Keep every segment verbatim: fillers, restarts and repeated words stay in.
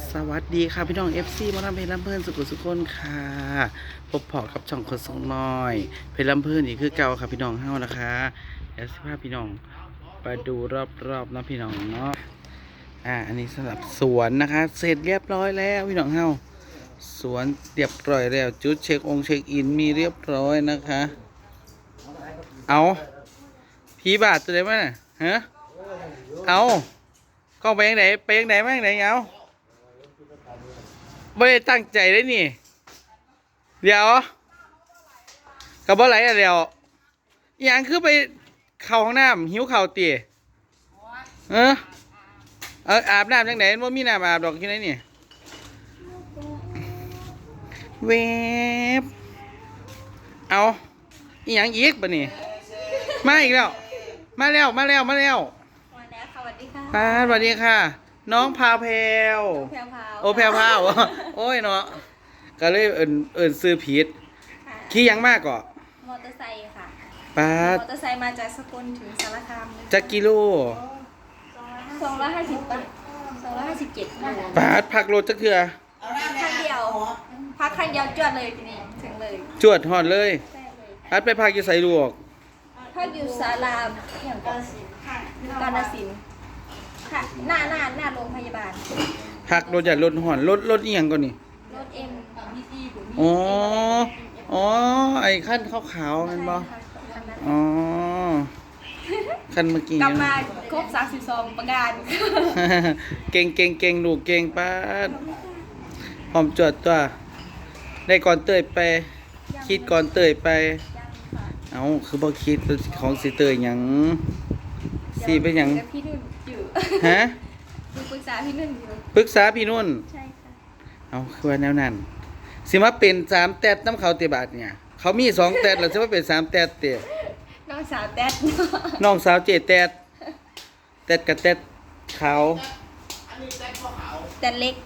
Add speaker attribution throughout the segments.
Speaker 1: สวัสดีค่ะพี่น้อง เอฟ ซี มาทำเพลงลำเพลินสุขุสุขคนค่ะพบพอกับช่องคนสองน้อยเพลงลำเพลินอีกคือเก่าค่ะพี่น้องเฮานะคะเดี๋ยวสิพาพี่น้องไปดูรอบๆนะพี่น้องเนาะอ่าอันนี้สำหรับสวนนะคะเสร็จเรียบร้อยแล้วพี่น้องเฮาสวนเรียบร้อยแล้วจุดเช็คองค์เช็คอินมีเรียบร้อยนะคะเอาพี่บาทตัวไหนมาฮะเอากล้องไปยังไหนไปยังไหนมายังไหนเอาไม่ได้ตั้งใจเลยนี่เดี๋ยวกับบ่ไหลอะเดี๋ยวอย่างคือไปเข้าห้องน้ำหิวข่าวตีเออเอออาบน้ำยังไหนว่ามีน้ำอาบดอกที่ไหนนี่เวฟเอาอีหยังอีกปะนี่มาอีกแล้วมาแล้วมาแล้วมาแล้ว
Speaker 2: มาแล้วค่ะสวัสดีค่ะ
Speaker 1: ป้าสวัสดีค่ะน้องพาเพลวโอแพลวพาวโอ้ยเนาะก็เลยเอิญเอิญซื้อผิดขี่ยังมากก่อ
Speaker 2: มอเตอร์ไซค์ค่ะ
Speaker 1: ป้าม
Speaker 2: อเตอร์ไซค์มาจากสกลถึงสารคาม
Speaker 1: จักกิโล
Speaker 2: สองร้อยห้าสิบป่ะสองร้อยห้าสิบเจ็ด
Speaker 1: ป้าพักรถจักเถื่อ
Speaker 2: คันเดียวพักคันเดียวจวดเลยทีนี้ถึงเลย
Speaker 1: จวดหอดเลยพัดไปพักอยู่ใส่ลวก
Speaker 2: พักอยู่ศาลาอย่างกาฬสินธุ์กาฬสินธุ์ค่ะหน้าหน้าหน้าโรงพยาบาล
Speaker 1: พักรถจัดรถหอนรถรถอีหยังก่อนนี่
Speaker 2: รถเอ็ม
Speaker 1: อ๋ออ๋อไอ้ขั้นขาวๆนั่นบ่อ๋อขั้นเมื่อกี้
Speaker 2: กลับมาครบสามสิบสองประการ
Speaker 1: เก่งเก่งเก่งลูกเก่งป้าพร้อมจวดตัวได้ก่อนเตยไปคิดก่อนเตยไปเอาคือบ่คิดของสิเตยหยังสิเป็นหยัง
Speaker 2: พี่นุ่นอยู่
Speaker 1: ฮะ
Speaker 2: ปรึกษาพี่นุ่นอยู่
Speaker 1: ปรึกษาพี่นุ่น
Speaker 2: ใช่ค่ะ
Speaker 1: เอาคือว่าแนวนั้นสิมาเป็นสามแตดน้ำเขาเตบาทเนี่ยเขามีสองแตดแล้วสิมาเป็นสามแตดเตะ
Speaker 2: น้องสาวแตด
Speaker 1: น้องสาวเจแตดแตดกับแตดขาว
Speaker 2: แตดเล็ก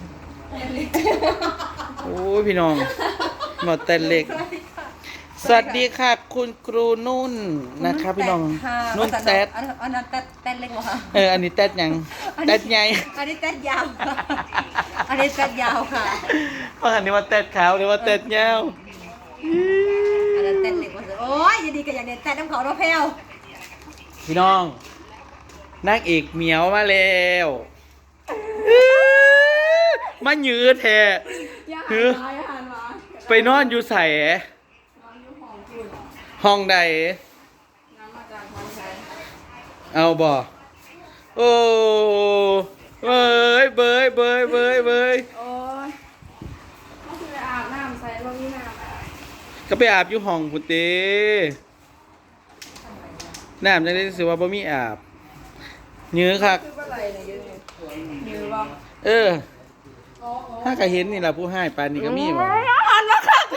Speaker 1: โอ้ยพี่น้องหมดแตดเล็กสวัสดีค่ะคุณครูนุ่นนะคะพี่น้องนุ่นแตด
Speaker 2: อันนั้นแตดแตดเล็กเหรอคะ
Speaker 1: เอออันนี้แตดยังแตดใหญ่
Speaker 2: อันนี้แตดยาวอันนี้แตดยาวค่ะ
Speaker 1: เพราะอันนี้ว่าแตดขาวหรือว่าแตดยาว
Speaker 2: อันนั้นแตดเล็กว่าโอ้ยอย่าดีกับอย่างเด็ดแตดน้ำเขาเราแพ้ว
Speaker 1: พี่น้องนางเอกเหมียวมาแล้วมาหยืดแท้คือไปนอนอยู่ใส่ห้องใดเอาบ่โอ้เบยเบยเบยเบยเบย
Speaker 2: โอ้ยก็คืออาบน้ำใส่บ่มีน้ำ
Speaker 1: ก็ไปอาบอยู่ห้องพุติน้ำจังได้สิว่าบ่มีอาบเนื้อคักเออถ้าก็เห็นนี่ล่ะผู้ให้ปานนี้ก็มีบ่
Speaker 2: หันมาคัก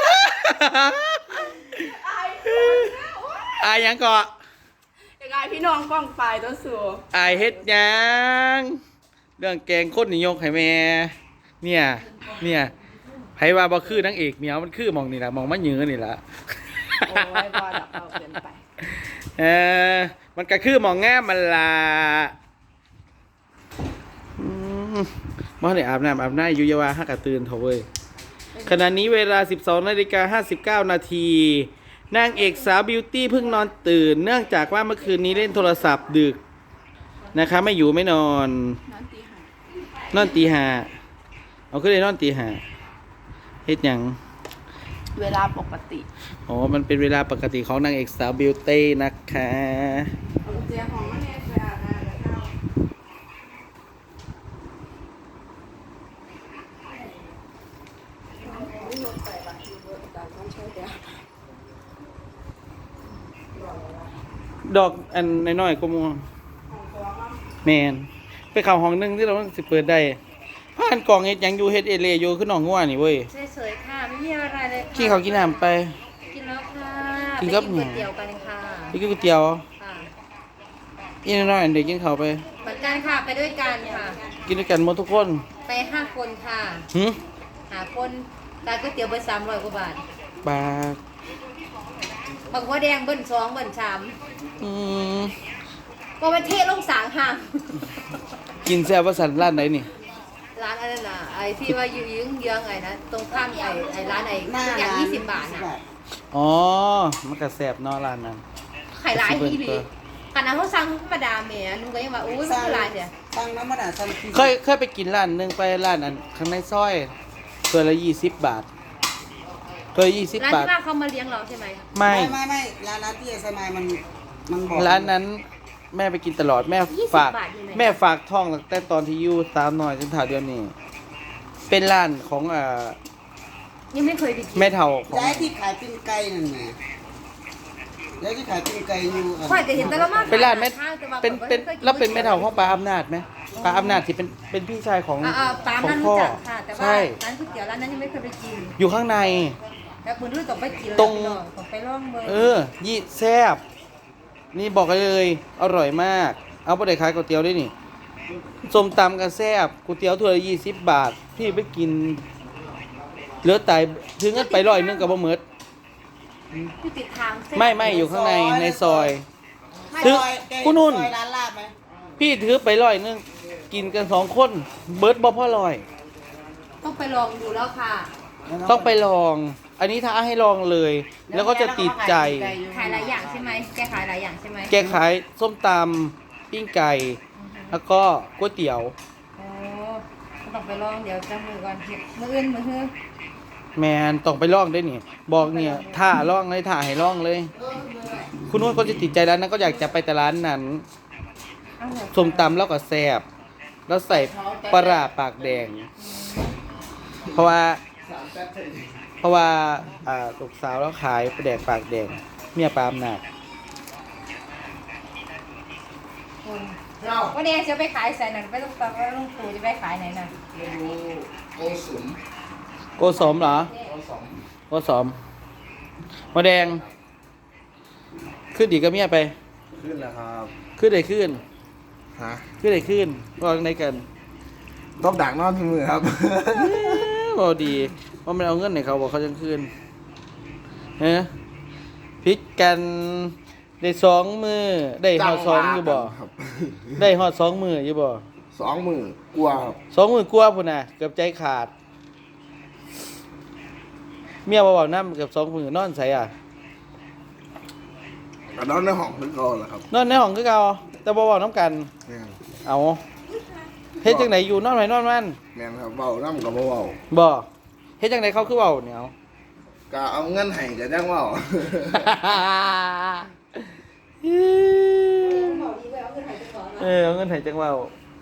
Speaker 1: อายยังเกาะ
Speaker 2: ยังไงพี่น้องป้องปลายตัวสู
Speaker 1: อายเฮ็ดยังเรื่องแกงคนนิยกให้แม่เนี่ยเนี่ยไผว่าบ่คือนางเอกเหมียวมันคือมองนี่ล่ะมองมันยื้อนี่ล่ะ
Speaker 2: โอ้ยบ่ดอกเอาเกินไป
Speaker 1: เออมันก็คือมองงามมันล่ะอืมบ่ได้อาบน้ำอาบน้ำอยู่ยาวาฮักกะตื่นเถอะเว้ยขณะนี้เวลา สิบสองนาฬิกาห้าสิบเก้า นาทีนางเอกสาวบิวตี้เพิ่งนอนตื่นเนื่องจากว่าเมื่อคืนนี้เล่นโทรศัพท์ดึกนะคะไม่อยู่ไม่นอนนอนตีห้าเอาขึ้นเลยนอนตีห้าเฮ็ดหยัง
Speaker 2: เวลาปกติ
Speaker 1: อ๋อมันเป็นเวลาปกติของนางเอกสาวบิวตี้นะคะ
Speaker 2: เจียของมันเนี่ยไปอาบน้ำแล้ว
Speaker 1: ดอกอันน้อยๆก็มัวแมนไปเข้าห้องนึงที่เราสิเปิดได้ผ่านกล่องเฮ็ดหยังอยู่เฮ็ดเอเลอยู่คือน้องงัวนี่เว้ย
Speaker 2: สวยๆค่ะไม่มีอะไรเลย
Speaker 1: กินข้าวกินน้ำไป
Speaker 2: กินแล้วค่ะ
Speaker 1: กินกับ
Speaker 2: ก๋วยเตี๋ยวกันค่ะ
Speaker 1: ไปกินก๋วยเตี๋ยว
Speaker 2: ค่ะ
Speaker 1: อีน้อยๆเด็กกินข้าวไป
Speaker 2: เหมือนกันค่ะไปด้วยกันค่ะ
Speaker 1: กินด้วยกันหมดทุกคน
Speaker 2: ไปห้าคนค่ะ
Speaker 1: หึ
Speaker 2: หาคนตาก๋วยเตี๋ยวไปสามร้อยกว่าบาท
Speaker 1: บาท
Speaker 2: บางว่าแดงเบิ้ลสองเบิ้ลสาม
Speaker 1: อืม
Speaker 2: ก็ไปเทลงสางห่าง
Speaker 1: กินแซ่บว่าสันร้านไหนนี่
Speaker 2: ร้านอะไรนะ
Speaker 3: ไอ้ที่ว่าอยู่ยืงเยื้องไอ้นะตรงข้ามไอ้ไอ้ร้านไอ้
Speaker 4: หน้า
Speaker 3: ทุกอย่าง
Speaker 4: ร้าน
Speaker 3: ยี่สิบบาทนะ
Speaker 1: อ๋อมันก็แซ่บเนาะร้านนั้น
Speaker 3: ไข่ร้ายที่ดีขนาดเขาสั่งธรรมดาเมียลุงก็ยังว่าอุ้ยมันคือร้ายเสีย
Speaker 4: สั่งน้ำมันอ่ะสั่งที่
Speaker 1: เคยเคยไปกินร้านหนึงไปร้านนั้นข้างในซอยตัวละยี่สิบบาทตัวละยี่สิบ
Speaker 3: ร้าน
Speaker 1: บาท
Speaker 3: ที่ว่าเขามาเลี้ยงเราใช่ไหม
Speaker 1: ไม่
Speaker 4: ไม่ไม่ไม่ร้านนั้นที่สมัยมันมันบอก
Speaker 1: ร้านนั้นแม่ไปกินตลอดแม่
Speaker 3: ยี่สิบ
Speaker 1: ฝาก
Speaker 3: บาทอยู่ไหน
Speaker 1: แม่ฝากท่องตั้งแต่ตอนที่อยู่สามหน่อยจนถ่าเดือนนี้เป็นร้านของอ่า
Speaker 3: ยังไม่เคยไปกิน
Speaker 1: แม่เฒ่าของ
Speaker 4: ย้ายที่ขายปิ้งไก่นั่นไงย้ายที่ขายปิ้งไก่อยู่อัน
Speaker 3: ค่อยก็เห็นแต่ละมา
Speaker 1: เป็นร้านแม่
Speaker 3: ข้างแต่ว่า
Speaker 1: เป็นเป็น
Speaker 3: ข้อยก็คยกิ
Speaker 1: แล้วเป็นแม่เฒ่าของป้าอำนาจไหมป้าอำนาจที่เป็นเป็นพี่ชายของ
Speaker 3: อ่าอ่าปลา
Speaker 1: ของ
Speaker 3: มัน
Speaker 1: พ่
Speaker 3: รู้
Speaker 1: อ
Speaker 3: จักค่ะแต่ว่า
Speaker 1: ใช่
Speaker 3: ร้านก๋วยเตี๋ยวร้านนั้นยังไม่เคยไปกิน
Speaker 1: อยู่ข้างใน
Speaker 3: แต่คุณรู้ต้องไปกิน
Speaker 1: ตรง
Speaker 3: แล้วต้องไปลองเบอร์
Speaker 1: เออ ยี่แซ่บนี่บอกเลย อร่อยมาก เอาไปได้ขายก๋วยเตี๋ยวได้นี่ส้มตำกันแซ่บก๋วยเตี๋ยวถ้วยละยี่สิบบาท พี่ไปกินเหลือตายถึงงั้นไปร้อยหนึงกับบ่หมด
Speaker 3: อยู่ติดทางเส้น
Speaker 1: ไม่ไม่อยู่ข้างในในซอย
Speaker 3: ไม่
Speaker 1: ถึง
Speaker 4: ซอยแก
Speaker 1: คุณนุ่น
Speaker 4: ซอยร้านลาบไหม
Speaker 1: พี่ถือไปร้อยหนึงกินกันสองคนเบิร์ดบ่พ่อร้อย
Speaker 3: ต้องไปลองดูแล้วค่ะ
Speaker 1: ต้องไปลอง อันนี้ท้าให้ลองเลย แล้วก็จะติดใจ
Speaker 3: ขายหลายอย่างใช่ไหมแกขายหลายอย่างใช่ไหม
Speaker 1: แกขายส้มตำปิ้งไก่ แล้วก็ก๋วยเตี๋ยว
Speaker 3: โอ้ต้องไปลองเดี๋ยวจะมือก่อนมืออื่นมือฮือ
Speaker 1: แมนต้องไปลองได้นี่ บอกเนี่ยท่าลองเลยท่าให้ลองเลย คุณนุ่นก็จะติดใจร้านนั้นก็อยากจะไปแต่ร้านนั้น
Speaker 3: เอาเถอะ
Speaker 1: ส้มตำแล้วก็แซ่บแล้วใส่ปลาร้าปากแดง เพราะว่า เพราะว่าอ่าลูกสาวแล้วขายปลาแดกปากแดงเมียปลาอำนาจ
Speaker 3: วันนี้จะไปขายใส่หนังไปต้องตังว่าลุงตู่จะไปขายไหนน่ะ
Speaker 5: ไม่รู้โกสุม
Speaker 1: โกสมเหรอ
Speaker 5: โกสม
Speaker 1: โกสมมาแดง ขึ้นดีกับเมียไป
Speaker 5: ขึ้นแล้วครับ
Speaker 1: ขึ้นได้ขึ้น
Speaker 5: ฮะ
Speaker 1: ขึ้นได้ขึ้นวางในกัน
Speaker 5: ต้องดักนอนที่มือครับ
Speaker 1: บอดีว่ามันเอาเงินไหนเขาบอกเขาจะคืนเฮ้พิกกันได้สองมือได้หอดสองอยู่บ่
Speaker 5: ครับ
Speaker 1: ได้หอดสองมืออยู่บ่
Speaker 5: สองมือกลัวครับ
Speaker 1: สองมือกลัวพุ่นน่ะเกือบใจขาด เมียบ่เว้าน้ำเกือบสองมือนอนใส่อ่ะ
Speaker 5: กระนอนในห้องนึกก่อนแหละครับ
Speaker 1: นอนในห้องคือเก่าแต่บ่เว้าน้ำกัน
Speaker 5: แม่น
Speaker 1: เอาเฮ็ดจังไดอยู่นอนไหนนอนมัน
Speaker 5: แม่นครับเบาน้ำกับเบา
Speaker 1: บ่เฮ็ดจังไดเขาคือเว้าเนี่ยเอา
Speaker 5: ๆก็เอาเงินให้กับจ้างเบา
Speaker 1: เออเอาเงินไถ่จังเว่า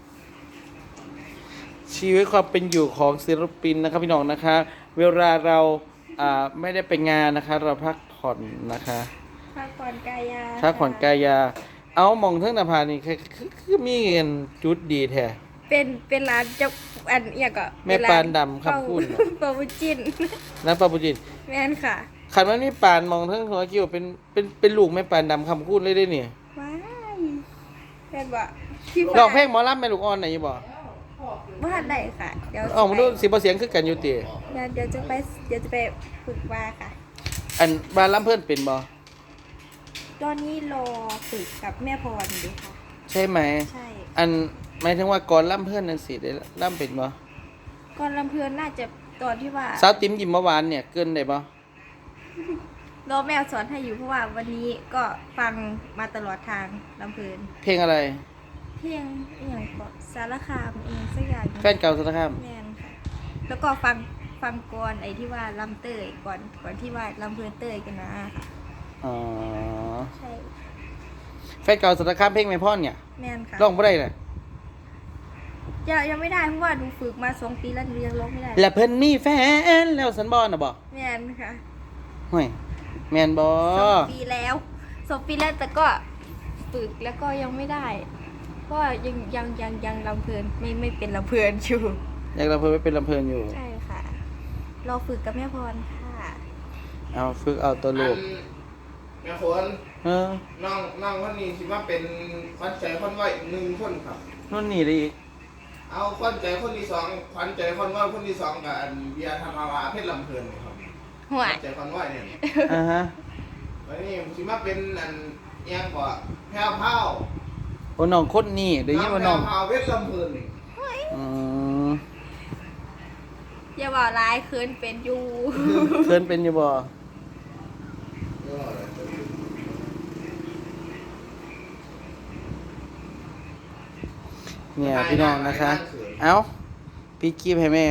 Speaker 1: ชีวิตความเป็นอยู่ของศิลปินนะครับพี่น้องนะคะ เวลาเราอ่าไม่ได้ไปงานนะคะ เราพักผ่อนนะคะ
Speaker 2: พักผ่อนกายา
Speaker 1: พักผ่อนกายา เอามองเทิงหน้าผานี่คือคือคือมีเงินจุดดีแท้
Speaker 2: เป็นเป็นร้านจะอันเอียก็
Speaker 1: แม่ปานดำคำพูดเหรอ
Speaker 2: เปาบุจิน
Speaker 1: น้ำปลาปุจิน
Speaker 2: แม่นค่ะ
Speaker 1: ขันมันมีปานมองเทิงหัวกิ้วเป็นเป็นเป็นลูกแม่ปานดำคำพูดเลยได้เนี่ย
Speaker 2: ว้ายเป็นบ่พี่
Speaker 1: ลองเพลงหมอลำแม่ลูกอ่อนไหนอยู่บ่
Speaker 2: ว่าทันได้ค่ะ เดี๋ยว
Speaker 1: ออกมาดูสิบ่เสียงคือกันอยู่ติ
Speaker 2: เดี๋ยวเดี๋ยวจะไปเดี๋ยวจะไปฝึกว่าค่ะ
Speaker 1: อันบ้านลำเพิ่นเป็นบ่
Speaker 2: ตอนนี้รอฝึกกับแม่พรอยู่ค่ะ
Speaker 1: ใช่ไหม
Speaker 2: ใช่
Speaker 1: อันหมายถึงว่าก่อนล่ำเพื่อนนั่นสิได้ล่ำเป็นบ่
Speaker 2: ก่อนลำเพลินน่าจะตอนที่ว่า
Speaker 1: สาวติ๋มยิ้มเมื่อวานเนี่ยเกินได้บ่
Speaker 2: รอแม่สอนให้อยู่เพราะว่าวันนี้ก็ฟังมาตลอดทางลำเพลิน
Speaker 1: เพลงอะไร
Speaker 2: เพลงอหย่างก็สารคามเองสักอย่าง
Speaker 1: แฟนเก่าสารคาม
Speaker 2: แมนค่ะ แล้วก็ฟังฟังก่อนไอ้ที่ว่าลำเตยก่อนก่อนที่ว่าลำเพลินเตยกันนะค่ะ
Speaker 1: อ๋อ
Speaker 2: ใช่
Speaker 1: แฟนเก่าสารคามเพลงไม่พ่อนเนี่ย
Speaker 2: แมนค่ะ
Speaker 1: ร้องบ่ได้น่ะ
Speaker 2: ยังยังไม่ได้เพราะว่าดูฝึกมาสองปีแล้วหนูยังร้องไม่ได้
Speaker 1: และเพิ่นมีแฟนแล้วสันบ่น่ะบ่
Speaker 2: แมนค่ะ
Speaker 1: ห่วยแม่นบ่
Speaker 2: สองปีแล้วสองปีแล้วแต่ก็ฝึกแล้วก็ยังไม่ได้เพราะว่ายังยังยังยังลำเพลินไม่ไม่เป็นลำเพลินอยู่
Speaker 1: อยากลำเพิ่นไว้เป็นลำเพิ่นอยู่
Speaker 2: ใช่ค่ะรอฝึกกับแม่พรค่ะ
Speaker 1: เอาฝึกเอาตัวลูก
Speaker 5: แม่คน
Speaker 1: เออ
Speaker 5: น้องน้องคนนี้คิดว่าเป็นขวัญใจคนไหวหนึ่งคนครับ
Speaker 1: นู่นนี่ได้อีก
Speaker 5: เอาขวัญใจคนที่สองขวัญใจคนไหวคนที่สองกับอันเบียร์ธรรมาวาเพชรลำเพลินครับ
Speaker 2: หัว
Speaker 5: ขวัญใจคนไหวเนี่ย
Speaker 1: อ่าฮะ
Speaker 5: วันนี้คิดว่าเป็นอันเอียงกว่าแพรวพราว
Speaker 1: โอ้น้องคนนี้ได้ยินว่าน้อง
Speaker 5: แพรวพราวเพชรลำเพลินนี่
Speaker 1: อืม
Speaker 2: อย่าบอกร้ายคืนเป็นอยู่
Speaker 1: เคินเป็นอยู่บ่เนี่ยพี่น้องนะคะ เอ้าพี่กีบให้แม่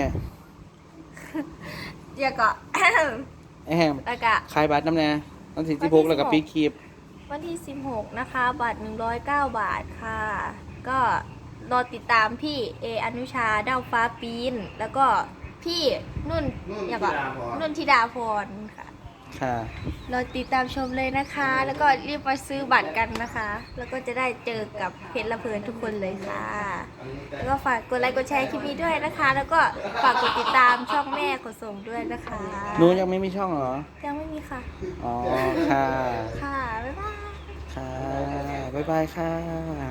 Speaker 2: เดี๋ยวก็
Speaker 1: ไอ้แฮม
Speaker 2: แล้วก็
Speaker 1: ขายบัตรน้ำแน่วันที่สิบหกแล้วก็พี่กีบ
Speaker 2: วันที่สิบหกนะคะ บัตรหนึ่งร้อยเก้าบาทค่ะ ก็รอติดตามพี่เออนุชาดาวฟ้าปีน แล้วก็พี่นุ่น
Speaker 5: นุ่น
Speaker 2: อย่าบอก
Speaker 5: ธิดาพร
Speaker 2: นุ่นธิดาพรค่ะ
Speaker 1: ค่ะ
Speaker 2: เราติดตามชมเลยนะคะ แล้วก็รีบมาซื้อบัตรกันนะคะ แล้วก็จะได้เจอกับเพชรละเพลินทุกคนเลยค่ะ แล้วก็ฝากกดไลค์กดแชร์คลิปนี้ด้วยนะคะ แล้วก็ฝากกดติดตามช่องแม่ขนส่งด้วยนะคะ
Speaker 1: หนูยังไม่มีช่องเหรอ
Speaker 2: ยังไม่มีค่ะ
Speaker 1: อ๋อ ค่ะ
Speaker 2: ค่ะ บ๊ายบาย
Speaker 1: ค่ะ บ๊ายบายค่ะ